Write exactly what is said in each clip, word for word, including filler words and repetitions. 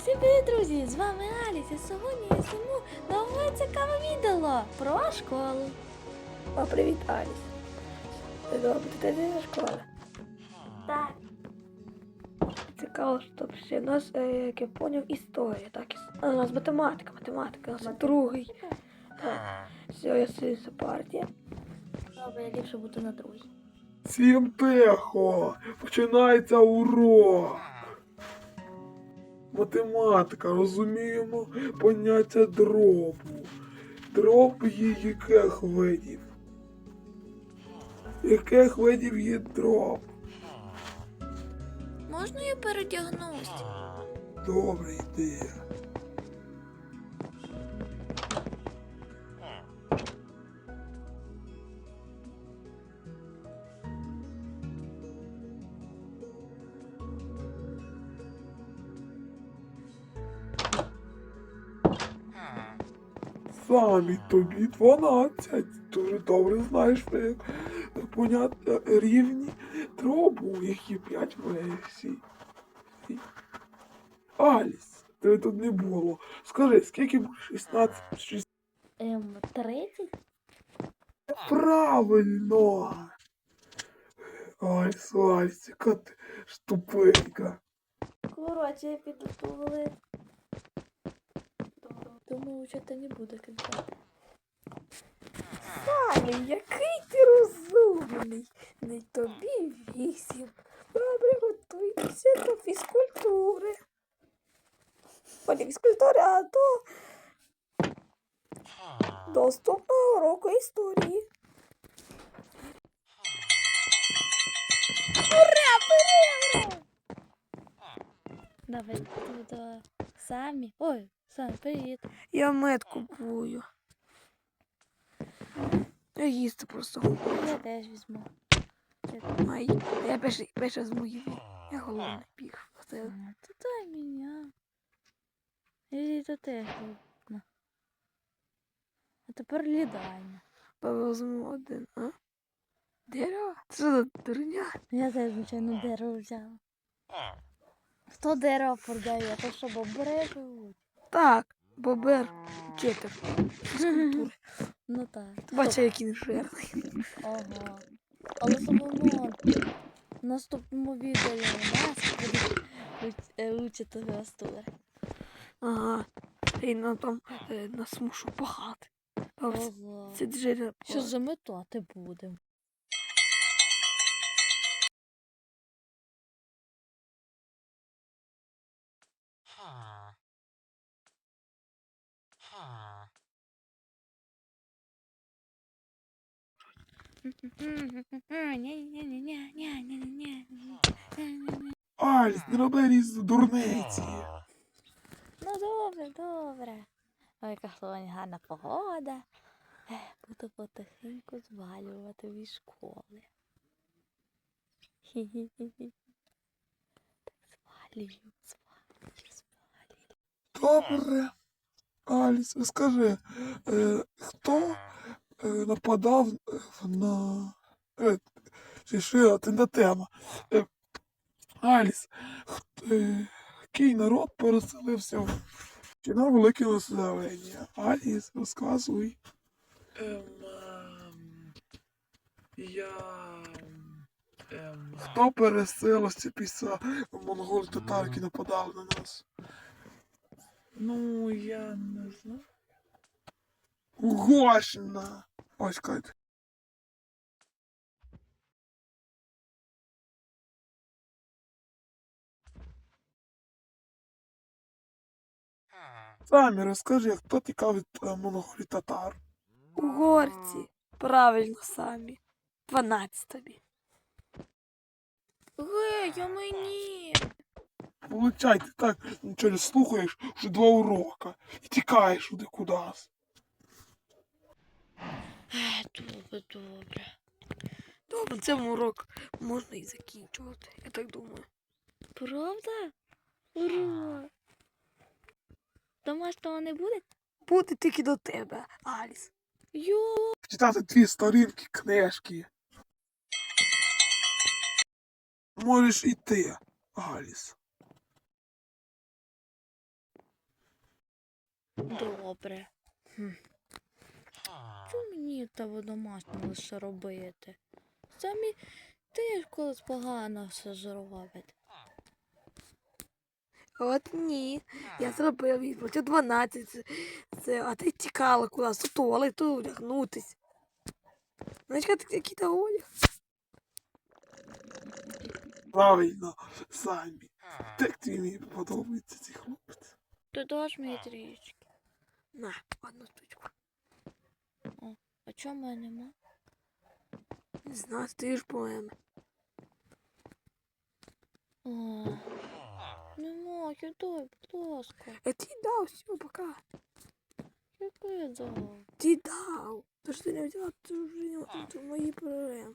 Всім привіт, друзі! З вами Аліс, і сьогодні я зніму нове цікаве відео про школу. О, привіт, Аліс. Ти добре, ти йдеш до школи? Так. Цікаво, що ще у нас, е, як я поняв, історія, так? А у нас математика, математика, у нас другий. Так. Все, я сидю за партія. Добре, я ліпше бути на другій. Всім тихо! Починається урок! Математика, розуміємо поняття дробу. Дроб є яких видів? Яких видів є дроб? Можна я передягнусь? Добре, йди. Самі тобі дванадцять. Дуже добре знаєш як поняття рівні дробу, які п'ять версій. Аліс, тебе тут не було. Скажи, скільки буде шістнадцять шість? Ем, тридцять? Правильно! Аліс, Аліс, яка ти штупенька. Коротше, я піду в туалет. Думаю, що це не буде кидати. Самі, який ти розумний. Не тобі вісім. Добре, готуйтеся до фізкультури. О, не фізкультури, а до доступного уроку історії. Ура, ура, ура! Давай тут самі. Ой, Сам, привіт. Я мед купую. Я їсти просто хочу. Я теж візьму. Ай, я перше, перше з моїм. Я голодний біг. Це А, то дай мене. І то теж голодно. А тепер лідання. повезмо один, а? Дерево? Це що за дурня? Я теж, звичайно, дерево взяла. Хто дерево продає? То що бобри живуть? Так, бобер, вчитель фізкультури. Ну так. Ти бачиш, який він жирний. Ага. Але Соломон, в наступному відео нас буде уч- учити гастури. Ага. І нам там е, нас мушу пахати. А ось Ага. це джерело. Що заметати будемо? Аліс, не роби різ дурниці. Ну добре, добре. Ой, яка сьогодні гарна погода. Ех, Буду потихеньку звалювати від школи. Хі-хі-хі. Так звалюю, звалюю, звалюю. Добре. Аліс, скажи, е, хто е, нападав е, на... Е, чи що, це не тема. Е, Аліс, хт- е, який народ переселився в чи на велике населення? Аліс, розказуй. Ем, ем, я... Ем, хто переселився після монголів татар, які нападали на нас? Ну, я не знаю. Угощена! Ось Кать. Самі розкажи, хто тікав від е, монголів татар? Угорці. Правильно самі. Дванадцять тобі. Гей, а мені. Получай, ти так нічого не слухаєш, вже два урока. І тікаєш туди кудись. Ех, Добре, добре. Добре, цьому урок можна і закінчувати, я так думаю. Правда? Ура! Домашнього не буде? Буде тільки до тебе, Аліс. Йо! Читати дві сторінки книжки. Можеш іти, Аліс. Добре. Хм. Чому мені того домашнього лише робити? Самі теж колись погано все зробить. От ні. Я зробив відплатив дванадцять. Це, це, а ти тікала кудись у туалет, тут одягнутись. Знаєш, який то одяг? Правильно, самі. Так тобі мені подобається цей хлопець. Ти даш мені трішки. На, одну штучку. А чому мене нема? Не знаю, ти ж поеми. О, нема, я дай, будь ласка. Я ти дав, все, пока. Яке дав? Ти дав. То що ти не взяла, то вже не то мої проблеми.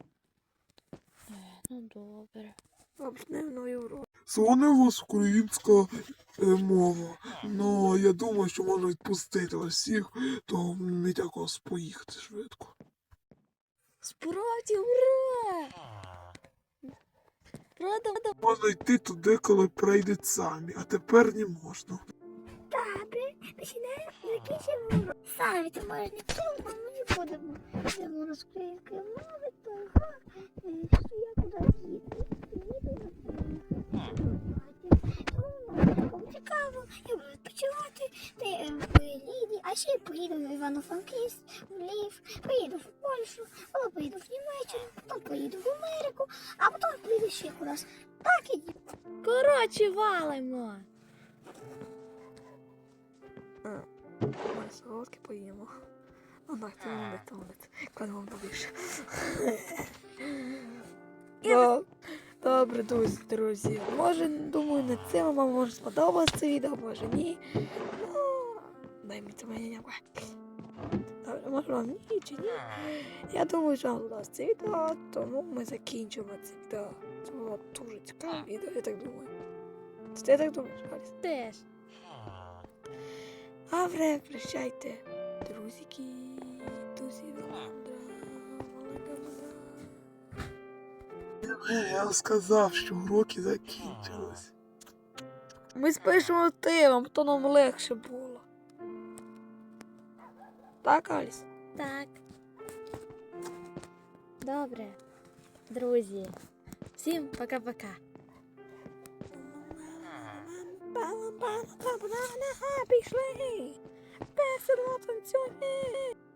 Ну добре. Почнемо новий урок. Сьогодні у вас українська е, мова. Ну, я думаю, що можна відпустити вас всіх, то мені якось поїхати швидко. Справді, ура! Правда, правда. Можна йти туди, коли прийдуть самі, а тепер не можна. Добре, починаємо закінчимо урок. Самі ти можеш не вчити, а ми будемо. Будемо з української мови, того, е, що я куди їду. Їду на Тому цікаво, я буду відпочивати ти, е, в Ліді, а ще поїду в Івано-Франківськ, в Львів, поїду в Польщу, потім поїду в Німеччину, потім поїду в Америку, а потім поїду ще кудись. Так і Коротше, валимо. Ми солодке поїмо. А так, ти молодець, ти молодець. Кладемо побільше. Доб- Добре, друзі, друзі. Може, думаю, на цьому вам може сподобалось це відео, може ні. Ну, дай мені це мене някое. Добре, може вам ні чи ні. Я думаю, що вам сподобалось це відео, тому ми закінчимо це відео. Це було дуже цікаве відео, я так думаю. Ти так думаєш, Аліс? Теж. Добре, прощайте, друзики, друзі, Володра, Володра. Я сказав, що уроки закінчились. Ми спишемо тилом, то нам легше було. Так, Аліс? Так. Добре. Друзі. Всім пока-пока. Пішли! Весело танцюємо!